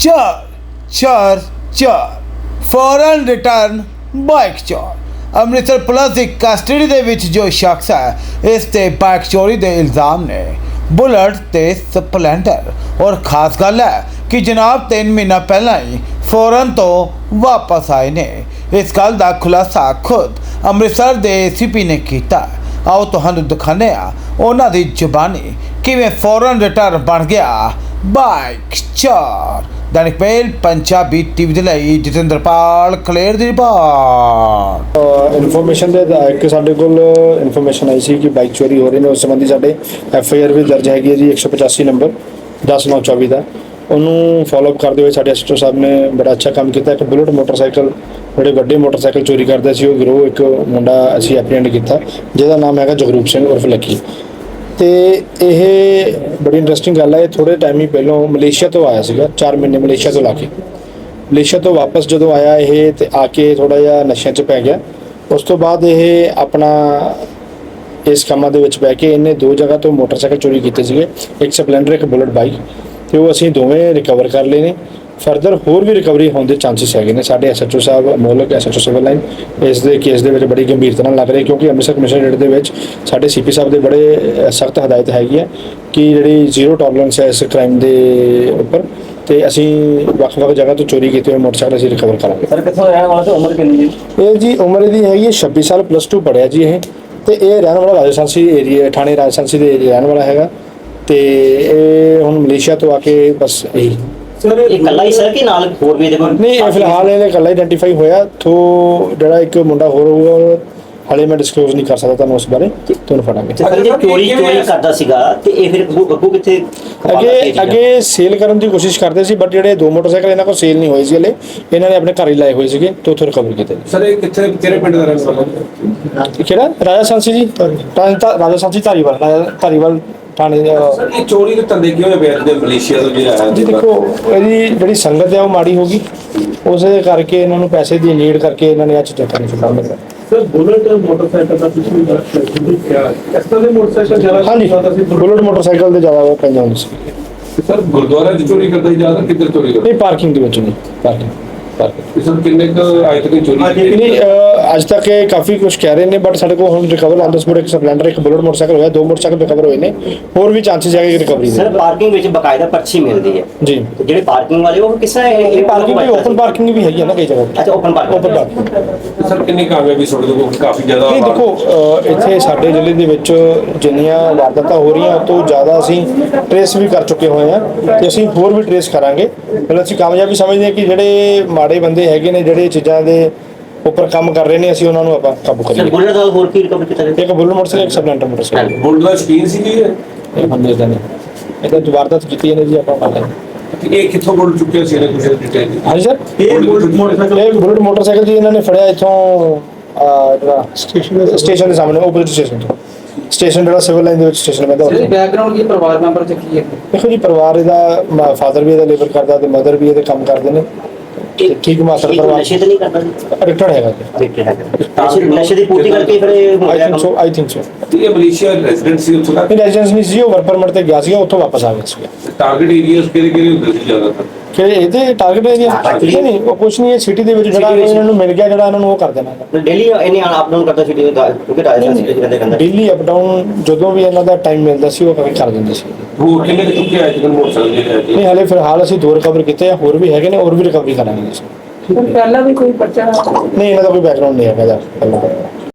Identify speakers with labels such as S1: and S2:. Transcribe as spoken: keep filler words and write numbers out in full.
S1: ਚਾਰ ਚਾਰ ਚਾਰ ਫੌਰਨ ਰਿਟਰਨ ਬਾਈਕ ਚੋਰ। ਅੰਮ੍ਰਿਤਸਰ ਪੁਲਿਸ ਦੀ ਕਸਟਡੀ ਦੇ ਵਿੱਚ ਜੋ ਸ਼ਖਸ ਹੈ, ਇਸ ਤੇ ਬਾਈਕ ਚੋਰੀ ਦੇ ਇਲਜ਼ਾਮ ਨੇ। ਬੁਲਟ ਤੇ ਸਪਲੈਂਡਰ। ਔਰ ਖਾਸ ਗੱਲ ਹੈ ਕਿ ਜਨਾਬ ਤਿੰਨ ਮਹੀਨਾ ਪਹਿਲਾਂ ਹੀ ਫੌਰਨ ਤੋਂ ਵਾਪਸ ਆਏ ਨੇ। ਇਸ ਗੱਲ ਦਾ ਖੁਲਾਸਾ ਖੁਦ ਅੰਮ੍ਰਿਤਸਰ ਦੇ ਏ ਸੀ ਪੀ ਨੇ ਕੀਤਾ। ਆਓ ਤੁਹਾਨੂੰ ਦਿਖਾਉਂਦੇ ਹਾਂ ਉਹਨਾਂ ਦੀ ਜ਼ੁਬਾਨੀ ਕਿਵੇਂ ਫੌਰਨ ਰਿਟਰਨ ਬਣ ਗਿਆ ਬਾਈਕ ਚੋਰ। दैनिक मेल पंजाबी टीवी ਦੇ ਲਈ ਜਤਿੰਦਰਪਾਲ ਕਲੇਰ ਦੀ ਰਿਪੋਰਟ।
S2: ਇਨਫੋਰਮੇਸ਼ਨ ਦੇ ਇੱਕ ਸਾਡੇ ਕੋਲ ਇਨਫੋਰਮੇਸ਼ਨ ਆਈ ਸੀ ਕਿ ਬਾਈਕ ਚੋਰੀ ਹੋ ਰਹੀ ਨੇ। ਉਸ ਸੰਬੰਧੀ ਸਾਡੇ ਐਫ ਆਈ ਆਰ ਵੀ ਦਰਜ ਹੈਗੀ ਹੈ ਜੀ ਇੱਕ ਸੌ ਪਚਾਸੀ ਨੰਬਰ ਦਸ ਨੌ ਚੌਵੀ ਦਾ। ਉਹਨੂੰ ਫੋਲੋਅਪ ਕਰਦੇ ਹੋਏ ਸਾਡੇ ਐਸ ਟੀ ਓ ਸਾਹਿਬ ਨੇ ਬੜਾ ਅੱਛਾ ਕੰਮ ਕੀਤਾ। ਇੱਕ ਬੁਲਟ ਮੋਟਰਸਾਈਕਲ ਬੜੇ ਵੱਡੇ ਮੋਟਰਸਾਈਕਲ ਚੋਰੀ ਕਰਦਾ ਸੀ ਉਹ ਗਿਰੋਹ, ਇੱਕ ਮੁੰਡਾ ਅਸੀਂ ਐਪਰੀਹੈਂਡ ਕੀਤਾ ਜਿਹਦਾ ਨਾਮ ਹੈਗਾ ਜਗਰੂਪ ਸਿੰਘ ਉਰਫ ਲੱਕੀ। ਤੇ ਇਹ ਬੜੀ ਇੰਟਰਸਟਿੰਗ ਗੱਲ ਹੈ। ਥੋੜੇ ਟਾਈਮ ਹੀ ਪਹਿਲਾਂ ਮਲੇਸ਼ੀਆ ਤੋਂ ਆਇਆ ਸੀਗਾ, ਚਾਰ ਮਹੀਨੇ ਮਲੇਸ਼ੀਆ ਤੋਂ ਲਾ ਕੇ ਮਲੇਸ਼ੀਆ ਤੋਂ ਵਾਪਸ ਜਦੋਂ ਆਇਆ ਇਹ ਤੇ ਆ ਕੇ ਥੋੜਾ ਜਿਹਾ ਨਸ਼ਿਆਂ 'ਚ ਪੈ ਗਿਆ। ਉਸ ਤੋਂ ਬਾਅਦ ਇਹ ਆਪਣਾ ਇਸ ਕੰਮਾਂ ਦੇ ਵਿੱਚ ਪੈ ਕੇ ਇਹਨੇ ਦੋ ਜਗ੍ਹਾ ਤੋਂ ਮੋਟਰਸਾਈਕਲ ਚੋਰੀ ਕੀਤੇ ਸੀਗੇ, ਇੱਕ ਸਪਲੈਂਡਰ ਇੱਕ ਬੁਲਟ ਬਾਈਕ, ਤੇ ਉਹ ਅਸੀਂ ਦੋਵੇਂ ਰਿਕਵਰ ਕਰ ਲਏ ਨੇ। ਫਰਦਰ ਹੋਰ ਵੀ ਰਿਕਵਰੀ ਹੋਣ ਦੇ ਚਾਂਸਿਸ ਹੈਗੇ ਨੇ। ਸਾਡੇ ਐਸ ਐਚ ਓ ਸਾਹਿਬ ਮੋਲਕ S H O civil line ਇਸ ਦੇ ਕੇਸ ਦੇ ਵਿੱਚ ਬੜੀ ਗੰਭੀਰਤਾ ਨਾਲ ਲੱਗ ਰਹੇ, ਕਿਉਂਕਿ ਅੰਮ੍ਰਿਤਸਰ ਕਮਿਸ਼ਨਰੇਟ ਦੇ ਵਿੱਚ ਸਾਡੇ ਸੀ ਪੀ ਸਾਹਿਬ ਦੇ ਬੜੇ ਸਖਤ ਹਦਾਇਤ ਹੈਗੀ ਹੈ ਕਿ ਜਿਹੜੀ ਜ਼ੀਰੋ ਟੋਲਰੈਂਸ ਹੈ ਇਸ ਕ੍ਰਾਈਮ ਦੇ ਉੱਪਰ, ਤੇ ਅਸੀਂ ਵੱਖ-ਵੱਖ ਜਗ੍ਹਾ ਤੋਂ ਚੋਰੀ ਕੀਤੇ ਹੋਏ ਮੋਟਰਸਾਈਕਲ ਅਸੀਂ ਰਿਕਵਰ ਕਰਾਂਗੇ।
S3: ਸਰ ਕਿੱਥੋਂ ਰਹਿਣ ਵਾਲਾ ਤੇ ਉਮਰ ਕਿੰਨੀ ਹੈ?
S2: ਇਹ ਜੀ ਉਮਰ ਇਹਦੀ ਹੈਗੀ ਹੈ ਛੱਬੀ ਸਾਲ, ਪਲੱਸ ਟੂ ਪੜ੍ਹਿਆ ਜੀ ਇਹ, ਤੇ ਇਹ ਰਹਿਣ ਵਾਲਾ ਰਾਜਸਥਾਨੀ ਏਰੀਆ, ਥਾਣੇ ਰਾਜਸਥਾਨੀ ਦੇ ਏਰੀਆ ਰਹਿਣ ਵਾਲਾ ਹੈਗਾ। ਤੇ ਇਹ ਹੁਣ ਮਲੇਸ਼ੀਆ ਤੋਂ ਆ ਕੇ ਬਸ ਇਹੀ
S3: ਸਰ ਇਹ ਇਕੱਲਾ ਹੀ ਸਰ ਕਿ ਨਾਲ ਹੋਰ ਵੀ ਇਹਦੇ ਕੋਲ?
S2: ਨਹੀਂ, ਇਹ ਫਿਲਹਾਲ ਇਹਨੇ ਇਕੱਲਾ ਆਈਡੈਂਟੀਫਾਈ ਹੋਇਆ। ਥੋ ਜਿਹੜਾ ਇੱਕ ਮੁੰਡਾ ਹੋਰ ਹੋਊਗਾ ਹਾਲੇ ਮੈਂ ਡਿਸਕਲੋਜ਼ ਨਹੀਂ ਕਰ ਸਕਦਾ ਤੁਹਾਨੂੰ ਉਸ ਬਾਰੇ, ਤੁਹਾਨੂੰ ਫੜਾਂਗੇ।
S3: ਸਰ ਜੇ ਚੋਰੀ ਚੋਰੀ ਕਰਦਾ ਸੀਗਾ ਤੇ ਇਹ ਫਿਰ ਅੱਗੋਂ ਕਿੱਥੇ
S2: ਅੱਗੇ ਅੱਗੇ ਸੇਲ ਕਰਨ ਦੀ ਕੋਸ਼ਿਸ਼ ਕਰਦੇ ਸੀ, ਬਟ ਜਿਹੜੇ ਦੋ ਮੋਟਰਸਾਈਕਲ ਇਹਨਾਂ ਕੋਲ ਸੇਲ ਨਹੀਂ ਹੋਏ ਸੀ ਹਲੇ, ਇਹਨਾਂ ਨੇ ਆਪਣੇ ਘਰ ਹੀ ਲਾਏ ਹੋਏ ਸੀਗੇ ਤੇ ਉੱਥੋਂ ਰਿਕਵਰ ਕੀਤੇ।
S4: ਸਰ ਇਹ ਕਿੱਥੇ ਕਿਹੜੇ ਪਿੰਡ ਦਾ ਰਹਿਣ ਵਾਲਾ?
S2: ਕਿਹੜਾ? ਰਾਜਸਥਾਨੀ ਜੀ, ਰਾਜਸਥਾਨੀ ਧਾਰੀਵਾਲ, ਧਾਰੀਵਾਲ ਥਾਣੇ।
S4: ਸਰ ਇਹ ਚੋਰੀ ਦੇ ਧੰਦੇ ਕਿਉਂ ਵੇਚਦੇ ਮਲੇਸ਼ੀਆ ਤੋਂ ਜਿਹੜਾ ਆਇਆ
S2: ਜੀ? ਦੇਖੋ ਇਹਦੀ ਜਿਹੜੀ ਸੰਗਤ ਹੈ ਉਹ ਮਾੜੀ ਹੋ ਗਈ, ਉਸੇ ਕਰਕੇ ਇਹਨਾਂ ਨੂੰ ਪੈਸੇ ਦੀ ਨੀਡ ਕਰਕੇ ਇਹਨਾਂ ਨੇ ਆ ਚੀਜ਼ਾਂ ਕਰਨੀ ਸ਼ੁਰੂ ਕਰ ਦਿੱਤਾ।
S4: ਸਰ ਬੁਲਟ ਮੋਟਰਸਾਈਕਲ ਦਾ ਕੁਝ ਵੀ ਦੇਖਿਆ ਇਸ ਤਰ੍ਹਾਂ ਦੇ ਮੋਟਰਸਾਈਕਲ ਜ਼ਿਆਦਾ?
S2: ਹਾਂਜੀ, ਬੁਲਟ ਮੋਟਰਸਾਈਕਲ ਦੇ ਜ਼ਿਆਦਾ ਪੈਂਦੇ ਹੁੰਦੇ ਸੀ।
S4: ਸਰ ਗੁਰਦੁਆਰਾ 'ਚ ਚੋਰੀ ਕਰਦਾ ਜ਼ਿਆਦਾ ਕਿੱਧਰ ਚੋਰੀ ਕਰਦਾ?
S2: ਨਹੀਂ, ਪਾਰਕਿੰਗ ਦੇ ਵਿੱਚ ਨਹੀਂ, ਪਾਰਕਿੰਗ
S4: ਸਰ ਕਿੰਨੇ ਕੁ ਅੱਜ ਤੱਕ ਚੋਰੀ
S2: ਨਹੀਂ ਅੱਜ ਤੱਕ ਇਹ ਕਾਫੀ ਕੁਝ ਕਹਿ ਰਹੇ ਨੇ, ਬਟ ਸਾਡੇ ਕੋਲ ਹੁਣ ਰਿਕਵਰ ਆਨ ਦ ਸਪੋਟ ਇੱਕ ਸਪਲੈਂਡਰ ਇੱਕ ਬੁਲਟ ਮੋਟਰਸਾਈਕਲ ਹੋਇਆ, ਦੋ ਮੋਟਰਸਾਈਕਲ ਰਿਕਵਰ ਹੋਏ ਨੇ। ਹੋਰ ਵੀ ਚਾਂਸਸ ਹੈਗੇ ਰਿਕਵਰੀ ਦੇ।
S3: ਸਰ ਪਾਰਕਿੰਗ ਵਿੱਚ ਬਕਾਇਦਾ ਪਰਚੀ ਮਿਲਦੀ ਹੈ
S2: ਜੀ,
S3: ਤੇ ਜਿਹੜੇ ਪਾਰਕਿੰਗ ਵਾਲੇ ਉਹ ਕਿਸ ਤਰ੍ਹਾਂ
S2: ਇਹ ਪਾਰਕਿੰਗ ਵੀ ਓਪਨ ਪਾਰਕਿੰਗ ਵੀ ਹੈਗੀ ਹੈ ਨਾ ਕਈ ਜਗ੍ਹਾ।
S3: ਅੱਛਾ open parking.
S2: Open parking
S4: sir ਕਿੰਨੀ ਕਾਮਯਾਬੀ ਤੁਹਾਡੇ ਕੋਲ? ਕਾਫੀ ਜ਼ਿਆਦਾ।
S2: ਨਹੀਂ ਦੇਖੋ ਇੱਥੇ ਸਾਡੇ ਜ਼ਿਲ੍ਹੇ ਦੇ ਵਿੱਚ ਜਿੰਨੀਆਂ ਵਾਰਦਾਤਾਂ ਹੋ ਰਹੀਆਂ ਉਹ ਤੋਂ ਜ਼ਿਆਦਾ ਅਸੀਂ ਟਰੇਸ ਵੀ ਕਰ ਚੁੱਕੇ ਹੋਏ ਹਾਂ ਤੇ ਅਸੀਂ ਹੋਰ ਵੀ ਟਰੇਸ ਕਰਾਂਗੇ। ਪਹਿਲਾਂ ਅਸੀਂ ਕਾਮਯਾਬੀ ਸਮਝਦੇ ਹਾਂ ਕਿ ਜਿਹੜੇ ਮਾੜੇ ਬੰਦੇ ਹੈਗੇ ਨੇ ਜਿਹੜੇ ਚੀਜ਼ਾਂ ਦੇ ਉੱਪਰ ਕੰਮ ਕਰ ਰਹੇ ਨੇ, ਅਸੀਂ ਉਹਨਾਂ ਨੂੰ ਆਪਾਂ ਕਾਬੂ ਕਰੀਏ।
S3: ਬੁਲਟ ਦਾ ਹੋਰ ਕੀ ਰਿਕਵਰ ਕੀਤਾ ਗਿਆ?
S2: ਇੱਕ ਬੁਲਟ ਮੋਟਰਸਾਈਕਲ, ਇੱਕ ਸਪਲੈਂਡਰ ਮੋਟਰਸਾਈਕਲ।
S4: ਬੁਲਟ ਦਾ ਸ਼ਕੀਨ ਸੀ ਜੀ ਇਹ?
S2: ਇਹ ਬੰਦੇ ਦਾ ਨਹੀਂ, ਇਹਦਾ ਵਾਰਦਾਤ ਕੀਤੀ ਇਹਨੇ ਜੀ ਆਪਾਂ ਮੰਨ ਲਾਂਗੇ।
S4: ਇਹ ਕਿੱਥੋਂ ਬੁਲਟ ਚੁੱਕਿਆ ਸੀ ਇਹਨੇ ਕੁਝ ਡਿਟੇਲ?
S2: ਹਾਂਜੀ ਸਰ,
S4: ਇਹ ਬੁਲਟ ਮੋਟਰਸਾਈਕਲ
S2: ਇਹ ਬੁਲਟ ਮੋਟਰਸਾਈਕਲ ਜੀ ਇਹਨਾਂ ਨੇ ਫੜਿਆ ਇੱਥੋਂ ਜਿਹੜਾ ਸਟੇਸ਼ਨ ਸਟੇਸ਼ਨ ਦੇ ਸਾਹਮਣੇ ਓਪੋਜ਼ਿਟ ਸਟੇਸ਼ਨ ਤੋਂ। ਸਟੇਸ਼ਨ ਜਿਹੜਾ ਸਿਵਲ ਲਾਈਨ ਦੇ ਵਿੱਚ ਸਟੇਸ਼ਨ ਪੈਂਦਾ ਉੱਥੇ।
S5: ਬੈਕਗ੍ਰਾਉਂਡ ਕੀ ਪਰਿਵਾਰ ਮੈਂਬਰ ਚ ਕੀ ਹੈ?
S2: ਦੇਖੋ ਜੀ ਪਰਿਵਾਰ ਇਹਦਾ ਫਾਦਰ ਵੀ ਇਹਦਾ ਲੇਬਰ ਕਰਦਾ ਤੇ ਮਦਰ ਵੀ ਇਹਦੇ ਕੰਮ ਕਰਦੇ ਨੇ। ਠੀਕ ਮਾਤਰ ਪਰਿਵਾਰ
S3: ਨਸ਼ੇ ਤਾਂ ਨਹੀਂ ਕਰਦਾ ਜੀ?
S2: ਰਿਟਰਡ ਹੈਗਾ ਜੀ।
S3: ਰਿਟਰਡ ਹੈਗਾ। ਨਸ਼ੇ ਦੀ ਪੂਰਤੀ ਕਰਕੇ ਫਿਰ ਇਹ
S2: I think so, I think so.
S4: ਇਹ ਮਲੇਸ਼ੀਆ ਰੈਜ਼ੀਡੈਂਟ ਸੀ ਉੱਥੋਂ ਦਾ?
S2: ਇਹ ਰੈਜ਼ੀਡੈਂਸ ਨਹੀਂ ਸੀ, ਉਹ ਵਰਕ ਪਰਮਿਟ ਤੇ ਗਿਆ ਸੀਗਾ, ਉੱਥੋਂ ਵਾਪਸ ਆ ਗਿਆ ਸੀਗਾ।
S4: ਟਾਰਗੇਟ ਏਰੀਆਸ ਕਿਹੜੇ ਕਿਹੜੇ ਹੁੰਦੇ ਸੀ ਜ਼ਿਆਦਾਤਰ?
S2: ਕਿ ਇਹਦੇ ਟਾਰਗੇਟ ਏਰੀਆ ਨਹੀਂ, ਉਹ ਕੁਛ ਨਹੀਂ, ਇਹ ਸਿਟੀ ਦੇ ਵਿੱਚ ਜਿਹੜਾ ਇਹਨਾਂ ਨੂੰ ਮਿਲ ਗਿਆ ਜਿਹੜਾ ਇਹਨਾਂ ਨੂੰ ਉਹ ਕਰ ਦੇਣਾ।
S3: ਡੇਲੀ ਇਹਨੇ ਅਪ ਡਾਊਨ ਕਰਦਾ ਸੀ ਕਿਉਂਕਿ ਰਾਜਸਥਾਨ ਸਿਟੀ ਦੇ ਕਹਿੰਦੇ
S2: ਡੇਲੀ ਅਪ ਡਾਊਨ ਜਦੋਂ ਵੀ ਇਹਨਾਂ ਦਾ ਟਾਈਮ ਮਿਲਦਾ ਸੀ ਉਹ ਕਰ ਦਿੰਦੇ ਸੀ।
S4: ਹੋਰ ਕਿੰਨੇ ਕੁ ਚੁੱਕੇ ਆਏ ਜਿਵੇਂ ਮੋਟਰਸਾਈਕਲ ਜਿਹੜੇ
S2: ਨਹੀਂ ਹਾਲੇ ਫਿਲਹਾਲ ਅਸੀਂ ਦੋ ਰਿਕਵਰ ਕੀਤੇ ਆ, ਹੋਰ ਵੀ ਹੈਗੇ ਨੇ, ਹੋਰ ਵੀ ਰਿਕਵਰੀ ਕਰਾਂਗੇ ਅਸੀਂ।
S5: ਪਹਿਲਾਂ ਵੀ ਕੋਈ ਪਰਚਾ?
S2: ਨਹੀਂ, ਇਹਨਾਂ ਦਾ ਕੋਈ ਬੈਕਗ੍ਰਾਉਂਡ ਨਹੀਂ ਹੈਗਾ ਇਹਦਾ ਪਹਿਲਾਂ।